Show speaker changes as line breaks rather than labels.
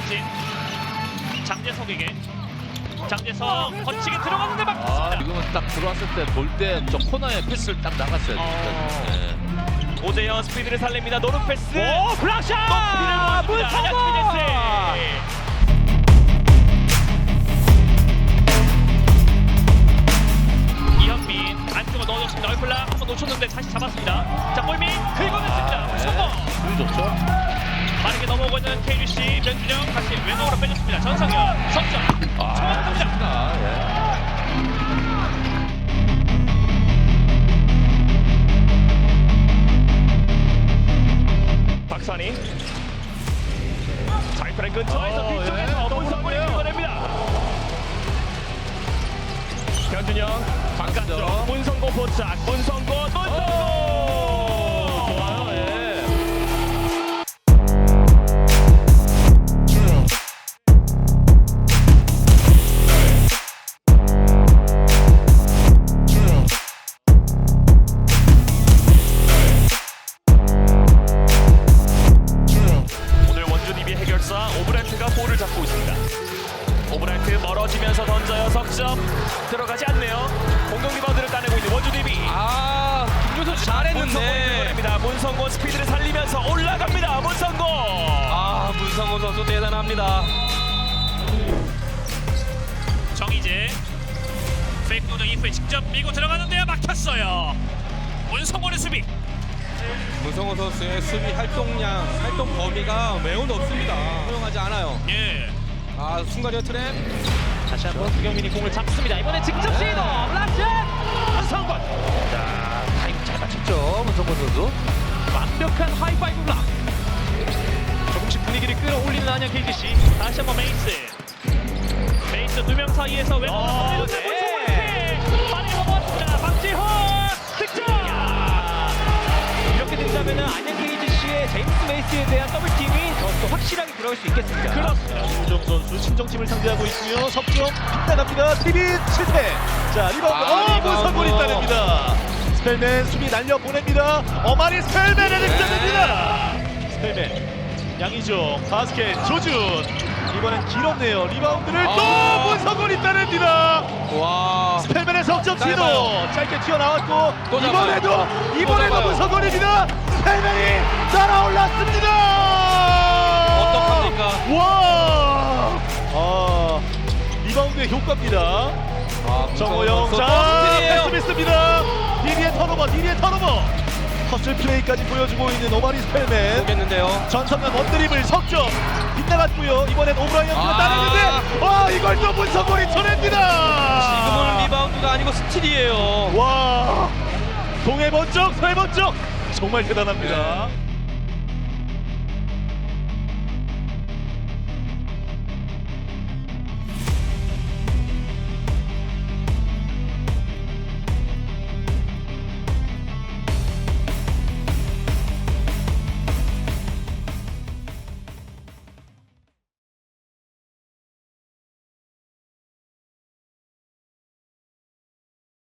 박진 장재석에게 장재석 거치게 들어갔는데 막혔습니다.
지금은 딱 들어왔을 때 볼 때 저 코너에 패스를 딱 나갔어요. 네.
오재현 스피드를 살립니다. 노루 패스.
오, 블락샷! 문성곤!
이현민 안쪽으로 넣어줬습니다. 얼플락 한번 놓쳤는데 다시 잡았습니다. 자, 골밑 긁어냈습니다. 문성곤.
운이 좋죠.
빠르게 넘어오고 있는 KGC 변준영 다시 왼쪽으로 빼줬습니다. 전성현 석점 정확합니다.
예.
박산이 자이프랭 근처에서 뒤쪽에서 문성곤이 긁어냅니다. 변준영 바깥쪽 문성곤 포착 문성곤
좋아요. 예.
오늘 원주 DB 해결사 오브라이트가 볼을 잡고 있습니다. 오브라이트 멀어지면서 던져요. 석점 들어가지 않네요. 공격 리바운드를 따내고 있는 원주 DB.
김준선 잘했는데.
문성곤입니다. 문성곤 스피드를 살리면서 올라갑니다. 문성곤.
문성곤 선수 대단합니다.
정희재 페이크 노정 이후에 직접 밀고 들어가는데요. 막혔어요. 문성곤의 수비.
문성곤 선수의 수비 활동 범위가 매우 높습니다. 허용하지 않아요.
예.
순간이어 트랩.
다시 한번 구경민이 공을 잡습니다. 이번엔 직접 시도. 블락샷. 문성곤.
자, 타이밍 잘 맞췄죠. 문성곤 선수.
완벽한 하이파이브 블락. 조금씩 분위기를 끌어올리는 안양 KGC. 다시 한번 메이스 두 명 사이에서 왼쪽으로
네.
빨리 넘어왔습니다. 박지훈 득점.
이렇게 된다면 안양 KGC의 제임스 메이스에 대한 더블팀이 더 확실하게 들어갈 수 있겠습니다.
그렇습니다.
윤정 선수 친정팀을 상대하고 있고요. 석점 빗나갑니다. 드리빗 실패. 자, 리바운드. 문성곤이 따냅니다. 스펠맨 수비 날려 보냅니다. 어마니 스펠맨의 득점입니다. 스펠맨 양희종 바스켓 조준. 이번엔 길었네요. 리바운드를 또 문성곤이 따냅니다.
와.
스펠맨의 석점 시도
짧아요.
짧게 튀어나왔고
또 잡아요.
이번에도
잡아요.
문성곤입니다. 스펠맨이 날아올랐습니다.
어떡합니까?
와! 리바운드의 효과입니다. 정호영 자 패스 미스입니다. 디리의 턴오버 허슬 플레이까지 보여주고 있는 오마리 스펠맨.
보겠는데요.
전성현 원드립을 석점 빗나갔고요. 이번엔 오브라이언트가 따내는데 이걸 또 문성곤이 쳐냅니다.
지금은 리바운드가 아니고 스틸이에요.
와 동해 번쩍 서해 번쩍 정말 대단합니다.